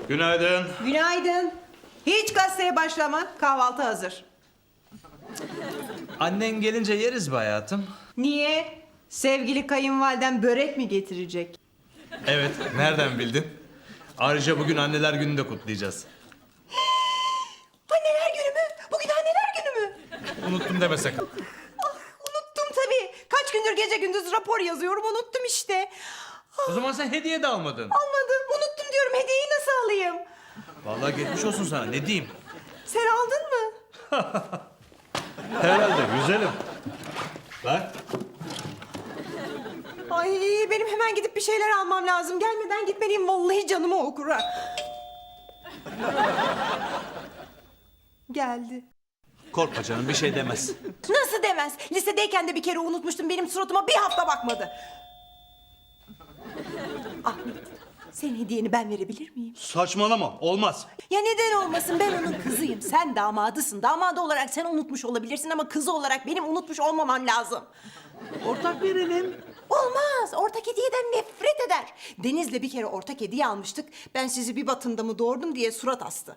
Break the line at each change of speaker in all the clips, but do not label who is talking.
Günaydın.
Günaydın. Hiç gazeteye başlama. Kahvaltı hazır.
Annen gelince yeriz be hayatım.
Niye? Sevgili kayınvaliden börek mi getirecek?
Evet, nereden bildin? Ayrıca bugün anneler gününü de kutlayacağız.
Anneler günü mü? Bugün anneler günü mü?
Unuttum deme sakın.
Ah, unuttum tabii. Kaç gündür gece gündüz rapor yazıyorum. Unuttum işte.
O zaman sen hediye de almadın.
Almadım. Unuttum diyorum. Hediyeyi nasıl alayım?
Vallahi geçmiş olsun sana, ne diyeyim?
Sen aldın mı?
Herhalde, güzelim. Bak.
Ay benim hemen gidip bir şeyler almam lazım. Gelmeden gitmeliyim. Vallahi canımı okur ha. Geldi.
Korkma canım, bir şey demez.
Nasıl demez? Lisedeyken de bir kere unutmuştum. Benim suratıma bir hafta bakmadı. Ahmet, senin hediyeni ben verebilir miyim?
Saçmalama, olmaz.
Ya neden olmasın? Ben onun kızıyım. Sen damadısın. Damadı olarak sen unutmuş olabilirsin ama kızı olarak benim unutmuş olmamam lazım.
Ortak verelim.
Olmaz. Ortak hediyeden nefret eder. Deniz'le bir kere ortak hediye almıştık. Ben sizi bir batında mı doğurdum diye surat astı.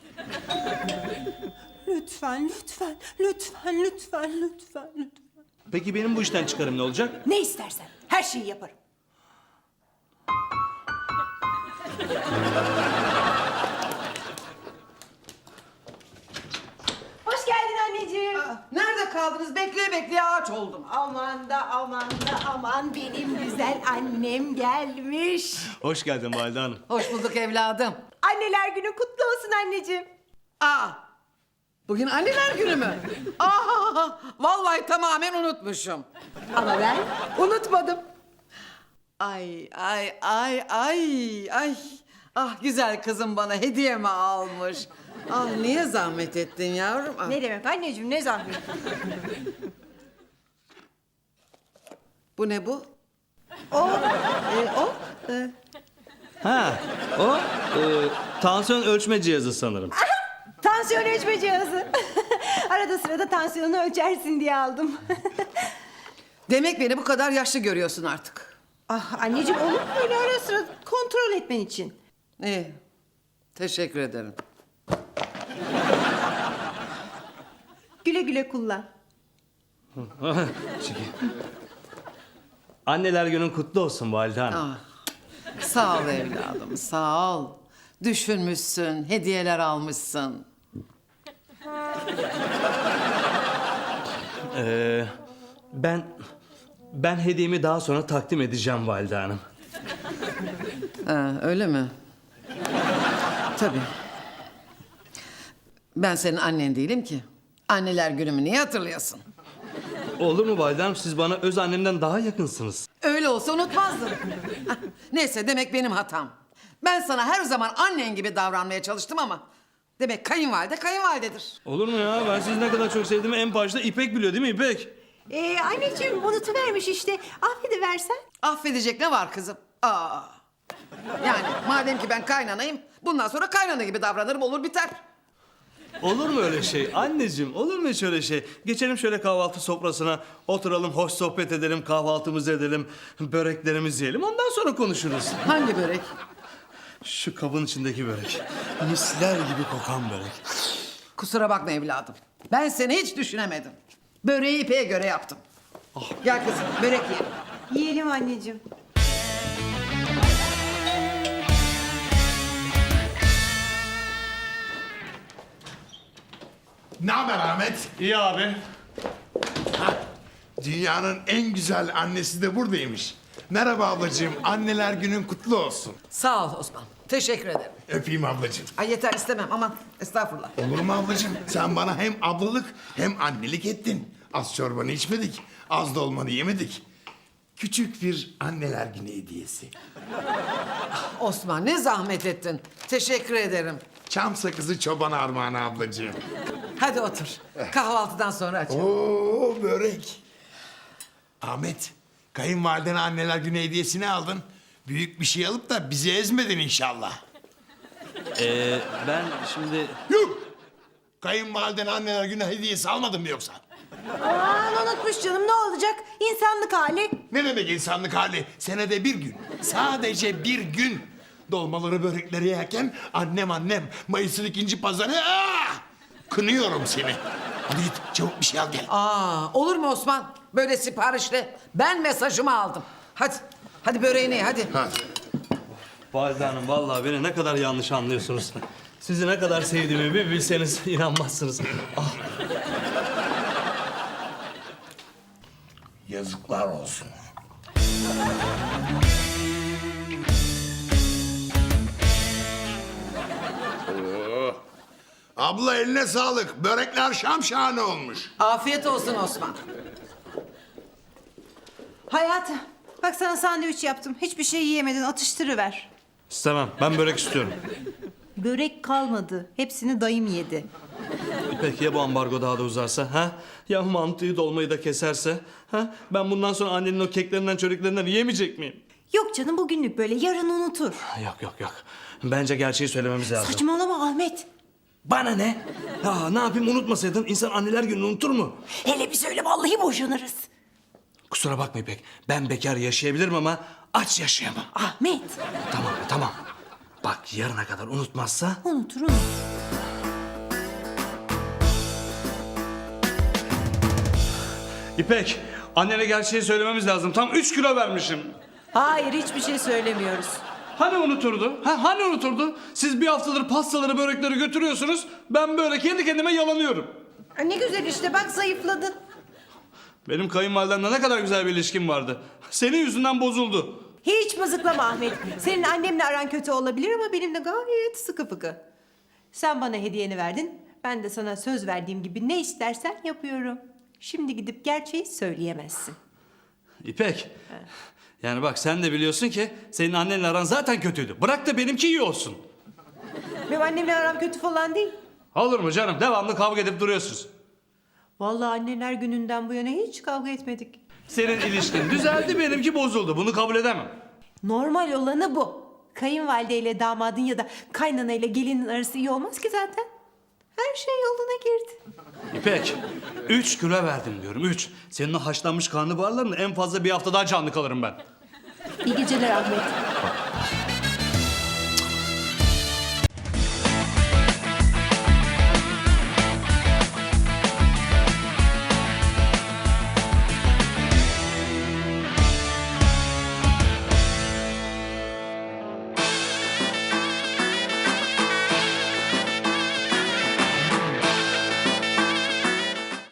Lütfen, lütfen, lütfen, lütfen, lütfen, lütfen.
Peki benim bu işten çıkarım ne olacak?
Ne istersen. Her şeyi yaparım. Hoş geldin anneciğim.
Nerede kaldınız? Bekleye bekleye ağaç oldum.
Aman da aman da aman benim güzel annem gelmiş.
Hoş geldin Valide Hanım.
Hoş bulduk evladım.
Anneler günü kutlu olsun anneciğim.
Aa, bugün anneler günü mü? Aa, vallahi tamamen unutmuşum.
Ama ben unutmadım.
Ay, ay, ay, ay, ay. Ah güzel kızım bana hediye mi almış? Ah niye zahmet ettin yavrum? Ah.
Ne demek anneciğim, ne zahmet.
Bu ne bu?
O,
Ha, o tansiyon ölçme cihazı sanırım.
tansiyon ölçme cihazı. Arada sırada tansiyonunu ölçersin diye aldım.
Demek beni bu kadar yaşlı görüyorsun artık.
Ah anneciğim, olur mu öyle ara sıra kontrol etmen için?
İyi, teşekkür ederim.
Güle güle kullan.
Anneler günün kutlu olsun Valide Hanım.
Ah, sağ ol evladım, sağ ol. Düşünmüşsün, hediyeler almışsın.
Ben hediyemi daha sonra takdim edeceğim Valide Hanım.
Ha, öyle mi? Tabii. Ben senin annen değilim ki. Anneler günümü niye hatırlayasın?
Olur mu Valide Hanım? Siz bana öz annemden daha yakınsınız.
Öyle olsa unutmazdın. Hah, neyse demek benim hatam. Ben sana her zaman annen gibi davranmaya çalıştım ama... Demek kayınvalide kayınvalidedir.
Olur mu ya? Ben sizi ne kadar çok sevdiğimi en başta İpek biliyor değil mi İpek?
Anneciğim unutuvermiş işte. Affediversen.
Affedecek ne var kızım? Aa. Yani madem ki ben kaynanayım... Bundan sonra kaynana gibi davranırım olur biter.
Olur mu öyle şey? Anneciğim olur mu hiç öyle şey? Geçelim şöyle kahvaltı sofrasına. Oturalım, hoş sohbet edelim, kahvaltımızı edelim. Böreklerimizi yiyelim. Ondan sonra konuşuruz.
Hangi börek?
Şu kabın içindeki börek. Misler gibi kokan börek.
Kusura bakma evladım. Ben seni hiç düşünemedim. Böreği İpek'e göre yaptım. Gel kızım börek yiyelim.
Yiyelim anneciğim.
Ne haber Ahmet?
İyi abi.
Dünyanın en güzel annesi de buradaymış. Merhaba ablacığım, anneler günün kutlu olsun.
Sağ ol Osman. Teşekkür ederim.
Öpeyim ablacığım.
Ay yeter istemem aman estağfurullah.
Olur mu ablacığım? Sen bana hem ablalık hem annelik ettin. Az çorbanı içmedik, az dolmanı yemedik. Küçük bir anneler günü hediyesi.
Osman ne zahmet ettin. Teşekkür ederim.
Çam sakızı çoban armağanı ablacığım.
Hadi otur. Kahvaltıdan sonra açalım.
Oo börek. Ahmet, kayınvalidene anneler günü hediyesini aldın. Büyük bir şey alıp da bizi ezmedin inşallah.
Ben şimdi...
Yuh! Kayınvalidene anneler günü hediyesi almadın mı yoksa?
Aman unutmuş canım, ne olacak? İnsanlık hali.
Ne demek insanlık hali? Senede bir gün. Sadece bir gün. Dolmaları börekleri yerken annem Mayıs'ın 2. pazarı kınıyorum seni. Hadi git çabuk bir şey al gel.
Olur mu Osman? Böyle siparişle. Ben mesajımı aldım. Hadi böreğini ye, hadi.
Hadi.
Valide Hanım vallahi beni ne kadar yanlış anlıyorsunuz. Sizi ne kadar sevdiğimi bir bilseniz inanmazsınız. Ah,
Yazıklar olsun. Abla eline sağlık. Börekler şamşahane olmuş.
Afiyet olsun Osman.
Hayatım, bak sana sandviç yaptım. Hiçbir şey yiyemedin, atıştırıver.
istemem. Ben börek istiyorum.
Börek kalmadı. Hepsini dayım yedi.
Peki ya bu ambargo daha da uzarsa? Ha? Ya mantıyı dolmayı da keserse? Ha? Ben bundan sonra annenin o keklerinden çöreklerinden yiyemeyecek miyim?
Yok canım, bugünlük böyle, yarın unutur.
Yok. Bence gerçeği söylememiz lazım.
Saçmalama Ahmet.
Bana ne? Ya ne yapayım unutmasaydın insan anneler gününü unutur mu?
Hele bir söyle, vallahi boşanırız.
Kusura bakma İpek. Ben bekar yaşayabilirim ama aç yaşayamam.
Ahmet.
Tamam. Bak yarına kadar unutmazsa...
Unutur.
İpek, annene gerçeği söylememiz lazım. Tam 3 kilo vermişim.
Hayır, hiçbir şey söylemiyoruz.
Hani unuturdu? Hani unuturdu? Siz bir haftadır pastaları, börekleri götürüyorsunuz. Ben böyle kendi kendime yalanıyorum.
Ne güzel işte, bak zayıfladın.
Benim kayınvalidemle ne kadar güzel bir ilişkim vardı. Senin yüzünden bozuldu.
Hiç mızıklama Ahmet. Senin annemle aran kötü olabilir ama benimle gayet sıkı fıkı. Sen bana hediyeni verdin. Ben de sana söz verdiğim gibi ne istersen yapıyorum. Şimdi gidip gerçeği söyleyemezsin.
İpek, yani bak sen de biliyorsun ki senin annenle aran zaten kötüydü. Bırak da benimki iyi olsun.
Benim annemle aram kötü falan değil.
Olur mu canım? Devamlı kavga edip duruyorsunuz.
Vallahi anneler gününden bu yana hiç kavga etmedik.
Senin ilişkin düzeldi, benimki bozuldu. Bunu kabul edemem.
Normal olanı bu. Kayınvalideyle damadın ya da kaynanayla gelinin arası iyi olmaz ki zaten. Her şey yoluna girdi.
İpek, 3 kilo verdim diyorum, 3. Senin o haşlanmış karnabaharlarınla en fazla bir hafta daha canlı kalırım ben.
İyi geceler Ahmet.
Bak